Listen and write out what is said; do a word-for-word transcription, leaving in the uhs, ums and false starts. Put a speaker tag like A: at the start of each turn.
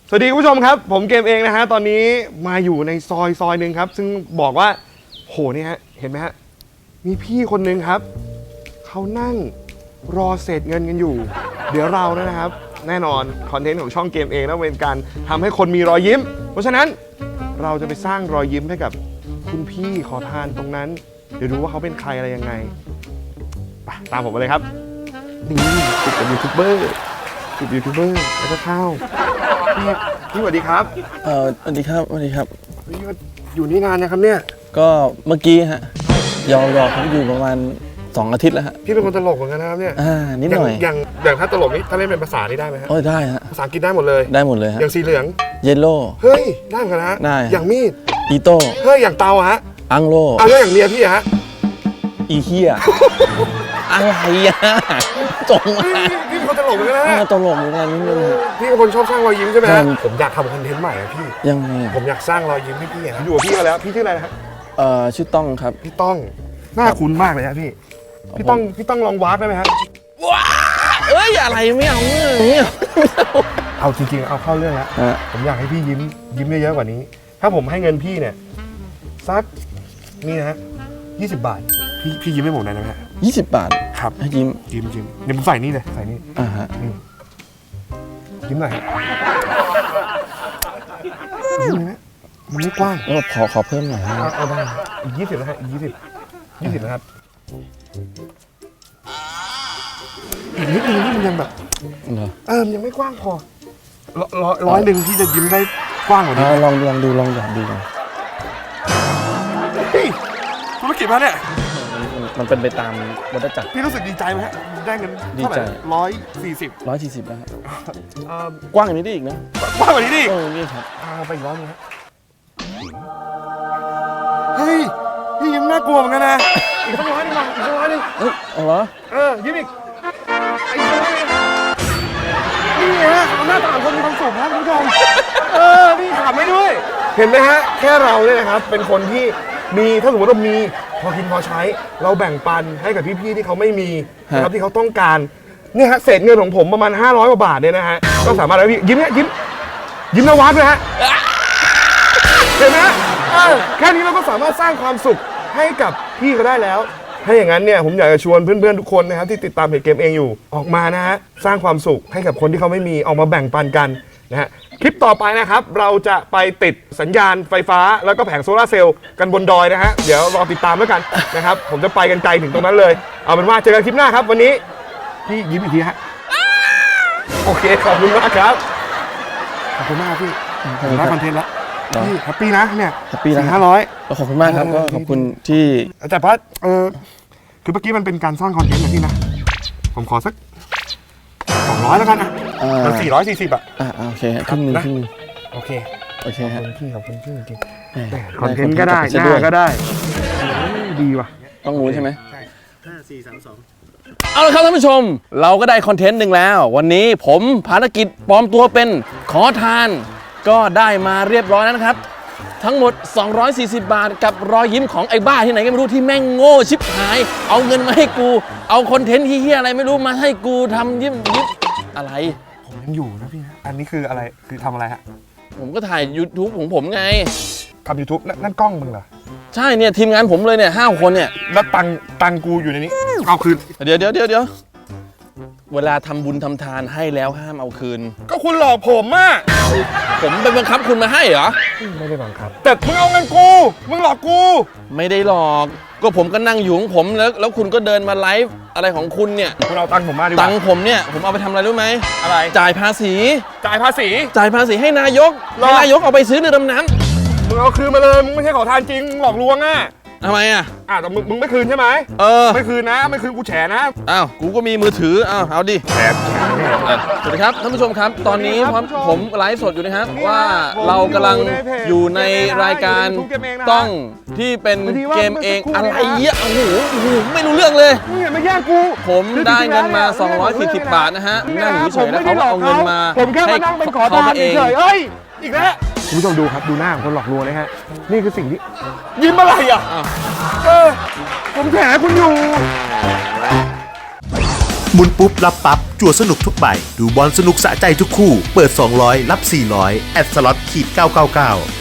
A: สวัสดีคุณผู้ชมครับผมเกมเองนะฮะตอนนี้มาอยู่ในซอยซอยหนึ่งครับซึ่งบอกว่าโหนี่ฮะเห็นไหมฮะมีพี่คนหนึ่งครับเขานั่งรอเศษเงินกันอยู่เดี๋ยวเรานะครับแน่นอนคอนเทนต์ของช่องเกมเองต้องเป็นการทำให้คนมีรอยยิ้มเพราะฉะนั้นเราจะไปสร้างรอยยิ้มให้กับคุณพี่ขอทานตรงนั้นเดี๋ยวดูว่าเขาเป็นใครอะไรยังไงไปตามผมมาเลยครับนี่ติดกับยูทูบเบอร์ติดยูทูบเบอร์แล้วก็เข้าพี่พี่สวัสดีครับ
B: เออสวัสดีครับสวัสดีครับ
A: พี่อยู่นี่นานนะครับเนี่ย
B: ก็เมื่อกี้ฮะยอมรอเขาอยู่ประมาณสองอาทิตย์แล้วฮะ
A: พี่เป็นคนตลกเหมือนกันนะครับเนี่ย
B: อ่านิดหน่อย
A: อย่างอย่างถ้าตลกนี่ถ้าเล่นเป็นภาษานี่ได้ไหมฮะ
B: โอ้ยได้ฮะ
A: ภาษาอังกฤษได้หมดเลย
B: ได้หมดเลยฮะ
A: อย่างสีเหลือง
B: เยลโล่
A: เฮ้ยได้เหมือนกันนะฮะ
B: ได้
A: อย่างมีด
B: อีโต้
A: เฮ้ยอย่างเตาฮะ
B: อังโล
A: เอาแล้วอย่างเมียพี่ฮะ
B: อีเฮียอะไรอ่ะจงมา
A: พี่เป็นคนตลกเหมือนกันนะ
B: อ่า
A: ฮะ
B: ตลกเหมือนกันนิดนึงฮะ
A: พี่เป็นคนชอบสร้างรอยยิ้มใช่ไหม
B: ใช่
A: ฮะผมอยากทำคอนเทนต์ใหม่อะพี่
B: ยังไง
A: ผมอยากสร้างรอยยิ้มให้พี่อะอยู่กับพี่มาแล้วพี่ชื่ออะไรนะฮะ
B: เอ่อชื่อต้องครับ
A: พี่ต้องหน้าคุ้นมากเลยฮะพี่พี่ต้องพี่ต้องลองวาร์ปได้ไหมฮะ
B: ว้าเอ้ยอะไรไม่เอาไม่เอา
A: เอาจริงๆเอาเข้าเรื่องแล้ว
B: ฮะ
A: ผมอยากให้พี่ยิ้มยิ้มเยอะๆกว่านี้ ถ้าผมให้เงินพี่เนี่ยสักนี่นะฮะยี่สิบบาทพี่พี่ยิ้มให้ผมหน่อยได้ไหมฮะ
B: ยี่สิบบาท
A: ครับ
B: ให้ยิ้ม
A: ยิ้มยิ้มเดี๋ยวผมใส่นี่เลยใส่นี่
B: อ่าฮะ
A: นี่ยิ้มหน่อยฮะยิ้มเลยนะมันไม่กว้าง
B: แล้วขอขอเพิ่มหน่อยฮะ
A: เอาเอาได้อีกยี่สิบนะฮะอีกยี่สิบยี่สิบนะครับอีกนิดนึงนี่มันยังแบบ
B: เหรอ
A: เออมันยังไม่กว้างพอร้อยร้อยหนึ่งที่จะยิ้มได้กว้างกว่านี้
B: อ่าลองลองดูลองหยอดดูก่อน
A: เฮ้ยธุรกิจมาเนี่ย
B: มันเป็นไปตามวัฏจักร
A: พี่รู้สึกดีใจไหมฮะได้เงิน
B: ดี
A: เท่าไห
B: ใจ
A: ร่ร้อยสี่สิบ
B: ร้อยสี่สิบแล้วฮะ
A: เอ่อก
B: ว้างอย่างนี้ได้อีกนะ
A: กว้างกว่านี้ดิ
B: เออนี่ครับ
A: เอาไปอีกร้อยหนึงฮะเฮ้ยพี่ยิ้มน่ากลัวเหมือนกันนะอีกสักร้อยหนึงมาอีกสักร้อยหนึง
B: เอ้ยเอาเหรอ
A: เออยิ้มอีกอีกสักร้อยหนึงนี่ฮะเอาหน้าตาคนมีความสุขครับคุณผู้ชมเออนี่ขำไม่ด้วย เห็นไหมฮะแค่เราเนี่ยนะครับเป็นคนที่มีถ้าสมมติเรามีพอกินพอใช้ เราแบ่งปันให้กับพี่ๆที่เขาไม่มีนะครับที่เขาต้องการเนี่ยฮะเศษเงินของผมประมาณห้าร้อยกว่าบาทเนี่ยนะฮะก็สามารถแล้วพี่ยิ้มเนี่ยยิ้มยิ้มนวัดเลยฮะเห็นไหมฮะเออแค่นี้เราก็สามารถสร้างความสุขให้กับพี่เขาได้แล้วถ้าอย่างนั้นเนี่ยผมอยากจะชวนเพื่อนๆทุกคนนะครับที่ติดตามเพจเกมเองอยู่ออกมานะฮะสร้างความสุขให้กับคนที่เขาไม่มีออกมาแบ่งปันกันนะฮะคลิปต่อไปนะครับเราจะไปติดสัญญาณไฟฟ้าแล้วก็แผงโซลาร์เซลล์กันบนดอยนะฮะเดี๋ยวรอติดตามแล้วกันนะครับผมจะไปกันไกลถึงตรงนั้นเลยเอาเป็นว่าเจอกันคลิปหน้าครับวันนี้พี่ยิ้มอีกทีฮะโอเคขอบคุณมากครับขอบคุณมากพี่ผมได้คอนเทนต์แล้วพี่แฮปปี้นะเนี่ย
B: แฮปปี้นะ
A: ห้าร้อย
B: ก็ขอบคุณมากครับ
A: เออ
B: ก็ขอบคุณที่
A: แต่ว่าเออคือเมื่อกี้มันเป็นการสร้างคอนเทนต์นะพี่นะผมขอสักสองร้อยแล้วกันนะ
B: อ่า
A: มันสี่ร้อยสี่สิบอะ
B: อ่าอ่าโอเคครึ่งหนึ่ง
A: นะ
B: ครึ่งหนึ่ง
A: โอเค
B: โอเค
A: ขอบ
B: ฮะ
A: คุณพี่ขอบคุณพี่จริง
B: แหม
A: คอนเทนต์ก็ได้
B: คอน
A: ห
B: เทนต์
A: น้า
B: ก็
A: ก็
B: ได้
A: ได้
B: ต้องรู้ใช่ไหม
A: ใช่ห้าสี่สามสอง
B: เอาละครับท่านผู้ชม เราก็ได้คอนเทนต์หนึ่งแล้ว วันนี้ผมภารกิจปลอมตัวเป็นขอทาน ก็ได้มาเรียบร้อยแล้วนะครับ ทั้งหมด สองร้อยสี่สิบ บาทกับรอยยิ้มของไอ้บ้าที่ไหนก็ไม่รู้ที่แม่งโง่ชิบหาย เอาเงินมาให้กู เอาคอนเทนต์เฮี้ยๆอะไรไม่รู้มาให้กูทำยิ้มยิ้มอะไร
A: ผมยังอยู่นะพี่นะอันนี้คืออะไรคือทำอะไรฮะ
B: ผมก็ถ่าย YouTube ของผมไง
A: ทำยูทูบนั่นกล้องมึงเหรอ
B: ใช่เนี่ยทีมงานผมเลยเนี่ยห้าคนเนี่ย
A: แล้วตังตังกูอยู่ในนี้เอาคืน
B: เดี๋ยวเดี๋ยวเดี๋ยวเดี๋ยวเวลาทำบุญทำทานให้แล้วห้ามเอาคืน
A: ก็คุณหลอกผมอ่ะ
B: ผมไปบังคับคุณมาให้เหรอ
A: ไม่ได้บังคับแต่มึงเอาเงินกูมึงหลอกกู
B: ไม่ได้หรอก ก็ผมก็นั่งอยู่ของผมแล้วแล้วคุณก็เดินมาไลฟ์อะไรของคุณเนี่ย
A: คุณเอาตังค์ผมมาดีก
B: ตั
A: ว่าง
B: ค์ผมเนี่ยผมเอาไปทำอะไรรู้ไหม
A: อะไร
B: จ่ายภาษี
A: จ่ายภาษี
B: จ่ายภาษีให้นายก
A: หรอ
B: ให้นายกเอาไปซื้อเรือดำน้
A: มึงเอาคืนมาเลยมึงไม่ใช่ขอทานจริงมึงหลอกลวงอ่ะ
B: ำทำไมอ่ะ
A: อ่ะแต่มึงมึงไม่คืนใช่ไหม
B: เออ
A: ไม่คืนนะไม่คืนกูแฉนะ
B: อ้าวกูก็มีมือถืออ้าวเอาดิ
A: แฉแฉแน่
B: เออสวัสดีครับท่านผู้ชมครับ ตอนนี้
A: สวัสดีครับ
B: ผม
A: ผู้ชม
B: ผมไลฟ์สดอยู่นะครับ
A: นี่
B: ว่า
A: ผม
B: เรากำลัง
A: อ
B: อยู่ ยู่
A: ใน
B: ใน
A: เพจ
B: รายการ
A: อยู่ใน YouTube เกมเองนะ
B: ต้องที่เป็น
A: พอดีว่า
B: เกมเอง
A: เมื่อสักครู่
B: อะไร
A: นี้นะ
B: เงี้ยโอ้โหโอ้โหไม่รู้เรื่องเลย
A: มึงอย่ามาแย่งกู
B: ผม
A: คือ
B: ได้เงินมา
A: จริๆแล้วเนี่ย
B: สองร้อยสี่สิบ
A: เง
B: บาทนะฮะ
A: เย
B: นั่งอยู่เฉยๆแล้ว
A: ผมไม่
B: เขา
A: ได้
B: ก็เอาเงินมา
A: ผมแค่มานั่งเป็นขอ
B: ให้
A: ทาน
B: เอง
A: เฉยๆเอ้ยอีกแล้วคุณผู้ชมดูครับดูหน้าของคนหลอกลวงนะฮะนี่คือสิ่งที่ยิ้มอะไรอ่ะ
B: อ้าว
A: เออผมแฉคุณอยู่
C: หมุนปุ๊บรับปั๊บจั่วสนุกทุกใบดูบอลสนุกสะใจทุกคู่เปิดสองร้อยรับสี่ร้อยแอดสล็อตขีดเก้าเก้าเก้า